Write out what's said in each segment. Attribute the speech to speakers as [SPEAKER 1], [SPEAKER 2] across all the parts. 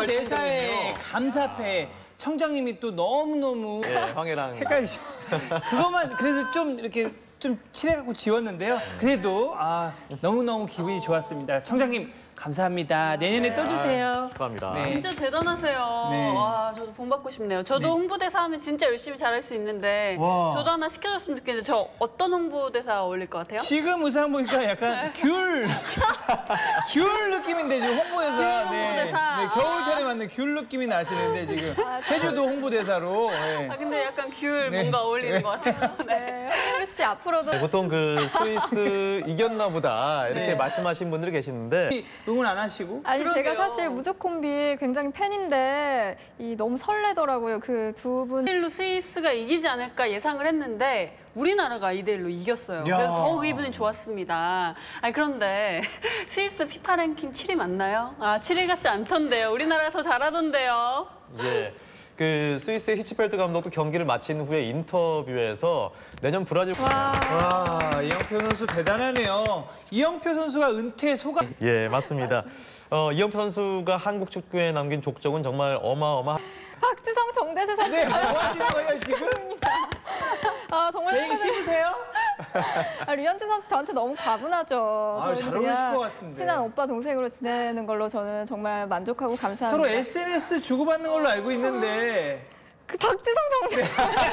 [SPEAKER 1] 24사의 감사패. 청장님이 또 너무너무
[SPEAKER 2] 황해랑
[SPEAKER 1] 헷갈리시고 그것만 그래서 좀 이렇게 좀 칠해갖고 지웠는데요. 그래도 너무너무 기분이 좋았습니다. 청장님 감사합니다. 내년에 또 주세요.
[SPEAKER 2] 축하합니다.
[SPEAKER 1] 네.
[SPEAKER 3] 진짜 대단하세요.
[SPEAKER 1] 네.
[SPEAKER 3] 와, 저도 본받고 싶네요. 저도 홍보대사 하면 진짜 열심히 잘할 수 있는데 저도 하나 시켜줬으면 좋겠는데 저 어떤 홍보대사 어울릴 것 같아요?
[SPEAKER 1] 지금 의상 보니까 약간 귤 느낌인데 지금 홍보대사.
[SPEAKER 3] 귤 홍보대사.
[SPEAKER 1] 네, 겨울철에 맞는 귤 느낌이 나시는데 지금 제주도 홍보대사로. 네.
[SPEAKER 3] 근데 약간 귤
[SPEAKER 1] 네.
[SPEAKER 3] 뭔가 어울리는 것 같아요.
[SPEAKER 4] 네. 홍규 씨 앞으로도
[SPEAKER 2] 보통 그 스위스 이겼나 보다 이렇게
[SPEAKER 1] 네.
[SPEAKER 2] 말씀하신 분들이 계시는데
[SPEAKER 1] 응원 안 하시고?
[SPEAKER 4] 아니
[SPEAKER 3] 그러게요.
[SPEAKER 4] 제가 사실 무조콤비 굉장히 팬인데 너무 설레더라고요. 그 두 분.
[SPEAKER 3] 2대1로 스위스가 이기지 않을까 예상을 했는데 우리나라가 2대1로 이겼어요.
[SPEAKER 1] 야.
[SPEAKER 3] 그래서 더욱 기분이 좋았습니다. 그런데 스위스 피파 랭킹 7위 맞나요? 7위 같지 않던데요. 우리나라가 더 잘하던데요.
[SPEAKER 2] 예. 그 스위스의 히치펠트 감독도 경기를 마친 후에 인터뷰에서 내년 브라질
[SPEAKER 1] 와, 이영표 선수 대단하네요. 이영표 선수가 은퇴 소감.
[SPEAKER 2] 예, 맞습니다. 이영표 선수가 한국 축구에 남긴 족적은 정말 어마어마.
[SPEAKER 4] 박지성, 정대세 선수.
[SPEAKER 1] 네, 뭐 하시는 거예요 지금?
[SPEAKER 4] 정말
[SPEAKER 1] 개인 심으세요?
[SPEAKER 4] 류현진 선수 저한테 너무 과분하죠. 저는
[SPEAKER 1] 잘
[SPEAKER 4] 그냥
[SPEAKER 1] 어울리실 것 같은데.
[SPEAKER 4] 친한 오빠 동생으로 지내는 걸로 저는 정말 만족하고 감사합니다.
[SPEAKER 1] 서로 SNS 주고받는 걸로 알고 있는데.
[SPEAKER 4] 그 박지성 정대.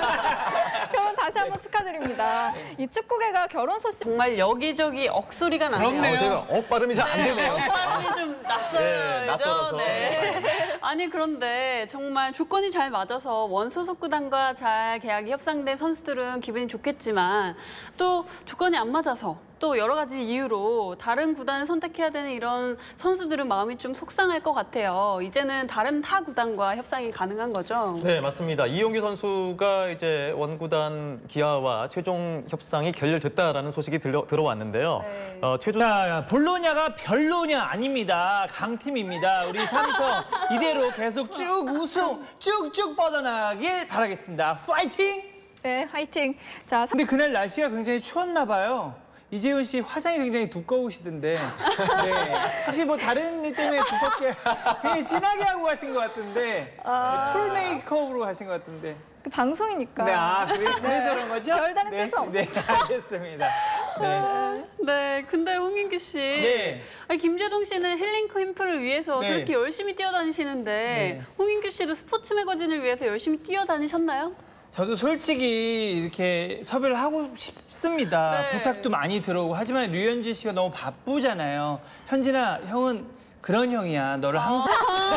[SPEAKER 4] 결혼 다시 한번 축하드립니다. 이 축구계가 결혼 소식
[SPEAKER 3] 정말 여기저기 억소리가 나네요.
[SPEAKER 1] 그렇네요.
[SPEAKER 2] 제가 발음이 잘 안 되네요.
[SPEAKER 3] 발음이 좀 낯설죠.
[SPEAKER 2] 네, 낯설어서.
[SPEAKER 3] 네. 아니 그런데 정말 조건이 잘 맞아서 원소속 구단과 잘 계약이 협상된 선수들은 기분이 좋겠지만 또 조건이 안 맞아서 또 여러 가지 이유로 다른 구단을 선택해야 되는 이런 선수들은 마음이 좀 속상할 것 같아요. 이제는 다른 타 구단과 협상이 가능한 거죠.
[SPEAKER 2] 네, 맞습니다. 이용규 선수가 이제 원구단 기아와 최종 협상이 결렬됐다라는 소식이 들어왔는데요.
[SPEAKER 4] 네.
[SPEAKER 1] 자, 볼로냐가 별로냐 아닙니다. 강팀입니다. 우리 삼성 이대로 계속 쭉 우승 쭉쭉 뻗어나가길 바라겠습니다. 파이팅!
[SPEAKER 4] 네, 화이팅. 자,
[SPEAKER 1] 근데 그날 날씨가 굉장히 추웠나 봐요. 이재훈 씨 화장이 굉장히 두꺼우시던데. 네. 혹시 뭐 다른 일 때문에 두껍게 굉장히 진하게 하고 가신 것 같은데. 풀 메이크업으로 하신 것 같은데.
[SPEAKER 4] 그 방송이니까.
[SPEAKER 1] 네, 그래서 그런 거죠?
[SPEAKER 4] 별다른
[SPEAKER 1] 네,
[SPEAKER 4] 뜻은 없어요.
[SPEAKER 1] 네, 알겠습니다. 네.
[SPEAKER 3] 네, 근데 홍인규 씨.
[SPEAKER 1] 네.
[SPEAKER 3] 김재동 씨는 힐링 캠프를 위해서
[SPEAKER 1] 네.
[SPEAKER 3] 저렇게 열심히 뛰어다니시는데
[SPEAKER 1] 네.
[SPEAKER 3] 홍인규 씨도 스포츠 매거진을 위해서 열심히 뛰어다니셨나요?
[SPEAKER 1] 저도 솔직히 이렇게 섭외를 하고 싶습니다.
[SPEAKER 3] 네.
[SPEAKER 1] 부탁도 많이 들어오고 하지만 류현진 씨가 너무 바쁘잖아요. 현진아, 형은 그런 형이야. 너를 항상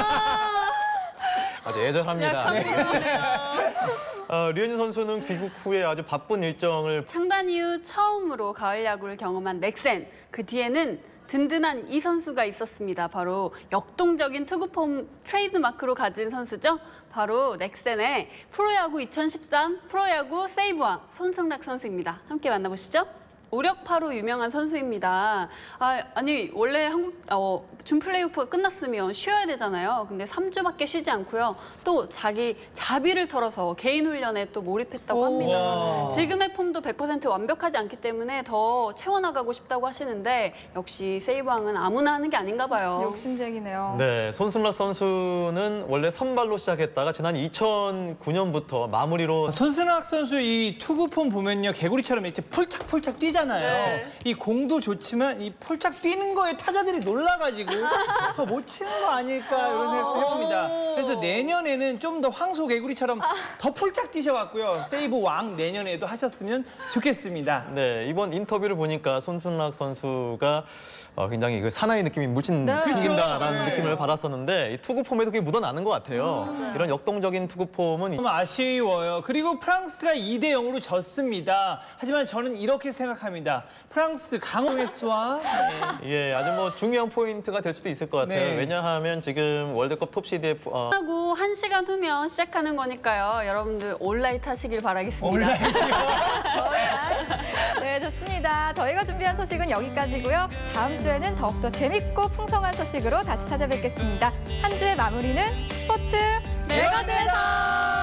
[SPEAKER 2] 아주 애절합니다.
[SPEAKER 3] 약간 그러네요.
[SPEAKER 2] 류현진 선수는 귀국 후에 아주 바쁜 일정을
[SPEAKER 3] 창단 이후 처음으로 가을 야구를 경험한 넥센. 그 뒤에는 든든한 이 선수가 있었습니다. 바로 역동적인 투구폼 트레이드마크로 가진 선수죠. 바로 넥센의 프로야구 2013 프로야구 세이브왕 손승락 선수입니다. 함께 만나보시죠. 오력파로 유명한 선수입니다. 아니 원래 준 플레이오프가 끝났으면 쉬어야 되잖아요. 근데 3주밖에 쉬지 않고요. 또 자기 자비를 털어서 개인 훈련에 또 몰입했다고 합니다.
[SPEAKER 1] 와.
[SPEAKER 3] 지금의 폼도 100% 완벽하지 않기 때문에 더 채워나가고 싶다고 하시는데 역시 세이브왕은 아무나 하는 게 아닌가 봐요.
[SPEAKER 4] 욕심쟁이네요.
[SPEAKER 2] 네, 손승락 선수는 원래 선발로 시작했다가 지난 2009년부터 마무리로
[SPEAKER 1] 손승락 선수 이 투구폼 보면요. 개구리처럼 이렇게 폴짝폴짝 뛰잖아요.
[SPEAKER 3] 네.
[SPEAKER 1] 이 공도 좋지만 이 폴짝 뛰는 거에 타자들이 놀라가지고 더 못 치는 거 아닐까 이런 생각도 해봅니다. 그래서 내년에는 좀 더 황소 개구리처럼 더 폴짝 뛰셔갖고요. 세이브 왕 내년에도 하셨으면 좋겠습니다.
[SPEAKER 2] 네, 이번 인터뷰를 보니까 손승락 선수가 굉장히 그 사나이 느낌이 물씬
[SPEAKER 4] 네.
[SPEAKER 2] 풍긴다라는
[SPEAKER 1] 그쵸.
[SPEAKER 2] 느낌을 받았었는데 이 투구 폼에도 그게 묻어나는 것 같아요. 이런 역동적인 투구 폼은
[SPEAKER 1] 좀 아쉬워요. 그리고 프랑스가 2대 0으로 졌습니다. 하지만 저는 이렇게 생각합니다. 프랑스 강호메스와
[SPEAKER 2] 예, 아주 뭐 중요한 포인트가 될 수도 있을 것 같아요.
[SPEAKER 1] 네.
[SPEAKER 2] 왜냐하면 지금 월드컵 톱시드에
[SPEAKER 3] 하고 1시간 후면 시작하는 거니까요. 여러분들 온라인 하시길 바라겠습니다.
[SPEAKER 4] 네, 좋습니다. 저희가 준비한 소식은 여기까지고요. 다음 주에는 더욱더 재밌고 풍성한 소식으로 다시 찾아뵙겠습니다. 한 주의 마무리는 스포츠 매거진에서